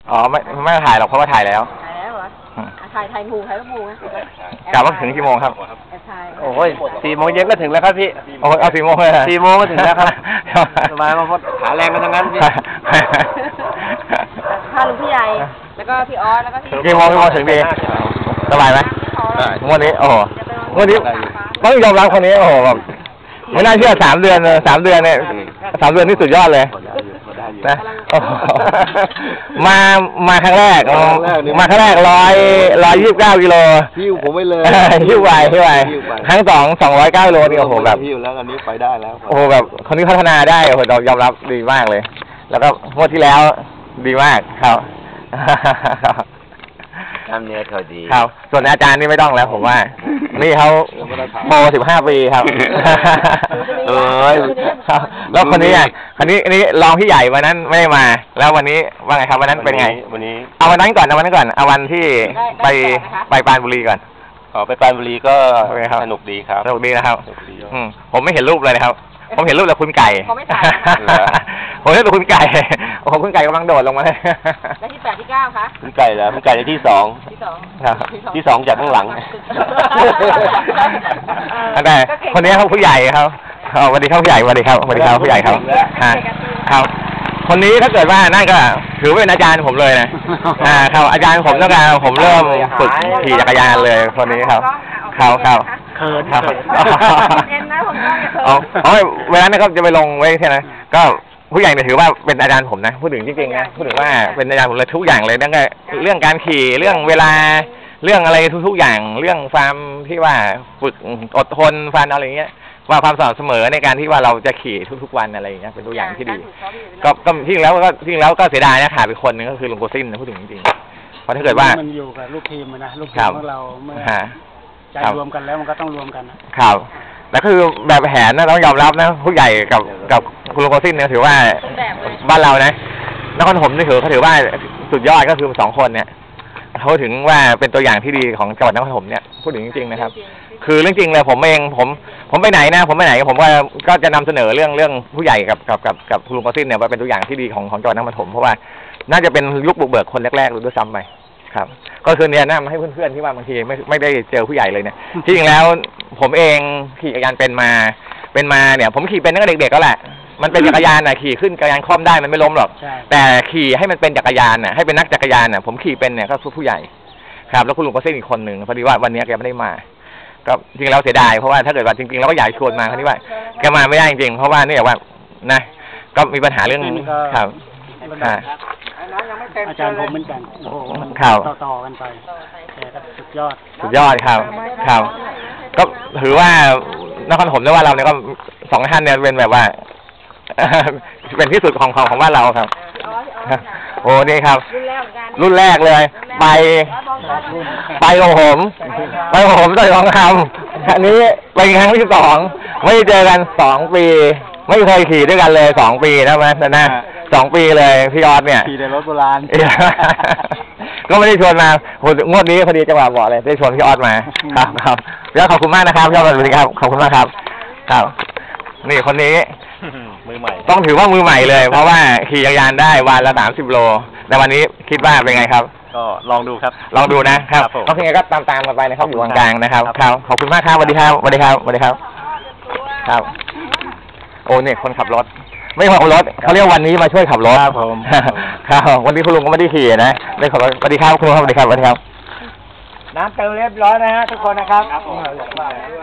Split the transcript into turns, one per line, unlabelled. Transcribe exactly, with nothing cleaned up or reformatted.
อ๋อไม่ไม่ถ่ายหรอกเพราะว่าถ่ายแล้ว
ถ่ายแล้วเหรอถ่ายถ่ายหมูถ่ายลูกหมูนะ
กลับว่าถึงกี่โมงครับ
โอ้ยสี่โมงเย็นก็ถึงแล้วครับพี่
โอ้เอาสี่โมงเลย
สี่โมงก็ถึงแล้วครับสบายมาพอหาแรงกันทั้งนั้นพี่
พาลุงพี่ใหญ่แล้วก็พี่ออสแล้วก็พี่
กี่โมงกี่โมงถึงดีสบายไหมวันนี้โอ้วันนี้ต้องยอมรับคนนี้โอ้แบบไม่น่าเชื่อสามเดือนสามเดือนเนี่ยสามเดือนนี่สุดยอดเลยนะมามาครั้งแรกมาครั้งแรกร้อยร้อยยี่สิบเก้ากิโล
หิ้วผมไม่เลย
หิ้วไหวหิ้วไหวครั้งสองสองร้อยเก้ากิโลนี่โอ้โหแบบ
หิ้วแล้วอันนี้ไปได้แล้ว
โอ้โหแบบคนนี้พัฒนาได้โอ้โหเรายอมรับดีมากเลยแล้วก็งวดที่แล้วดีมากครับ
ทำเนื้อเขาดี
ครับส่วนอาจารย์นี่ไม่ต้องแล้วผมว่านี่เขาโมสิบห้าปีครับเออครับแล้วคนนี้อ่ะคนนี้อันนี้รองพี่ใหญ่วันนั้นไม่มาแล้ววันนี้ว่าไงครับวันนั้นเป็นไง
วันนี้
เอาวันนั้นก่อนเอาวันนั้นก่อนเอาวันที่ไปไปปรานบุรีก่อน
อ๋อไปปรานบุรีก็สนุกดีครับ
สนุกดีนะครับอืมผมไม่เห็นรูปเลยนะครับผมเห็นรูปแต่คุณไก่
เขาไม่ถ่าย
ผมเห็นแต่คุณไก่โอ้โหคุณไก่กำลังโดดลงมาเลย
แล้วที่แปดที่เก้าคะ
คุณไก่แล้วคุณไก่ที่สอง
ที่สอง
ที่สองจากข้างหลัง
แต่คนนี้เขาผู้ใหญ่ครับสวัสดีครับผู้ใหญ่สวัสดีครับสวัสดีครับผู้ใหญ่ครับครับคนนี้ถ้าเกิดว่านั่นก็ถือว่าเป็นอาจารย์ผมเลยนะอ่าครับอาจารย์ผมตั้งแต่ผมเริ่มฝึกขี่จักรยานเลยคนนี้ครับครับครับ
เขิน
ครับ
เอ็นนะผมก็จะเขิน
อ๋อเวลานั้นก็จะไปลงไว้ใช่ไหมก็ผู้ใหญ่เนี่ยถือว่าเป็นอาจารย์ผมนะพูดถึงจริงๆนะพูดถึงว่าเป็นอาจารย์ผมเลยทุกอย่างเลยตั้งแต่เรื่องการขี่เรื่องเวลาเรื่องอะไรทุกๆอย่างเรื่องความที่ว่าฝึกอดทนฟันอะไรเงี้ยว่าความสม่ำเสมอในการที่ว่าเราจะขี่ทุกๆวันอะไรอย่างเงี้ยเป็นตัวอย่างที่ดีก็ก็ที่แล้วก็ที่แล้วก็เสียดายนะขาดไปคนนึงก็คือลุงโกซินนะพูดถึงจริงๆเพราะถ้าเกิดว่า
มันอยู่กับลูกทีมนะลูกทีมของเราเมื่อใจรวมกันแล้วมันก็ต้องรวมกัน
ครับแล้วคือแบบแผนนะต้องยอมรับนะผู้ใหญ่กับกับคุณลุงโกซินเนี่ยถือว่าบ้านเรานะนครปฐมนี่ถือเขาถือว่าสุดยอดก็คือสองคนเนี่ยเขาถึงว่าเป็นตัวอย่างที่ดีของจังหวัดนครปฐมเนี่ยพูดถึงจริงๆนะครับคือเรื่องจริงเลยผมเองผมผมไปไหนนะผมไปไหนผมก็ก็จะนำเสนอเรื่องเรื่องผู้ใหญ่กับกับกับกับคุณลุงกอซินเนี่ยว่าเป็นตัวอย่างที่ดีของของจังหวัดนครปฐมเพราะว่าน่าจะเป็นยุคบุกเบิกคนแรกๆด้วยซ้ำไปครับก็คือเนี่ยนะมาให้เพื่อนๆที่ว่าบางทีไม่ไม่ได้เจอผู้ใหญ่เลยเนี่ยที่จริงแล้วผมเองขี่จักรยานเป็นมาเป็นมาเนี่ยผมขี่เป็นตั้งแต่เด็กๆก็แหละมันเป็นจักรยานน่ะขี่ขึ้นจักรยานคล่อมได้มันไม่ล้มหรอกแต่ขี่ให้มันเป็นจักรยานน่ะให้เป็นนักจักรยานน่ะผมขี่เป็นเนี่ยก็ผู้ใหญ่ครับแล้วคุณลุงก็เส้นอีกคนหนึ่งพอดีว่าวันนี้แกไม่ได้มาก็จริงๆเราเสียดายเพราะว่าถ้าเกิดว่าจริงๆเราก็อยากชวนมาคราวนี้ว่าแกมาไม่ได้จริงๆเพราะว่าเนี่ยว่านะก็มีปัญหาเรื่องครับ
อาจารย์ผมเหมือนกันโอ้โหมันต่อๆกันไปแต่ก็สุดยอด
สุดยอดครับครับก็ถือว่านครปฐมเนี่ยว่าเราเนี่ยก็สองท่านเนี่ยเป็นแบบว่าเป็นที่สุดของของของบ้านเราครับโอ้นี่ครับรุ่นแรกเลยไปไปของผมไปของผมต่อยทองคำอันนี้เป็นครั้งที่สองไม่เจอกันสองปีไม่เคยขี่ด้วยกันเลยสองปีนะแม่นะสองปีเลยพี่ยอดเนี่ย
ขี่ในรถโบราณ
ก็ไม่ได้ชวนมาโหงวดนี้พอดีจังหวะเหมาะเลยได้ชวนพี่ออสมาครับครับพี่ออสขอบคุณมากนะครับพี่ออสสวัสดีครับขอบคุณมากครับครับนี่คนนี้
มือใหม่
ต้องถือว่ามือใหม่เลยเพราะว่าขี่จักรยานได้วันละสามสิบโลแต่วันนี้คิดว่าเป็นไงครับ
ก็ลองดูครับ
ลองดูนะครับโอเคก็ตามตามกันไปนะครับอยู่กลางๆนะครับครับขอบคุณมากครับสวัสดีครับสวัสดีครับสวัสดีครับครับโอ้เนี่ยคนขับรถไม่ขับรถเขาเรียกวันนี้มาช่วยขับรถ
ครับผม
ครับวันนี้คุณลุงก็ไม่ได้ขี่นะได้ขับรถสวัสดีครับคุณลุงสวัสดีครับสวัสดีครับ
น้ำเติมเรียบร้อยนะฮะทุกคนนะครับ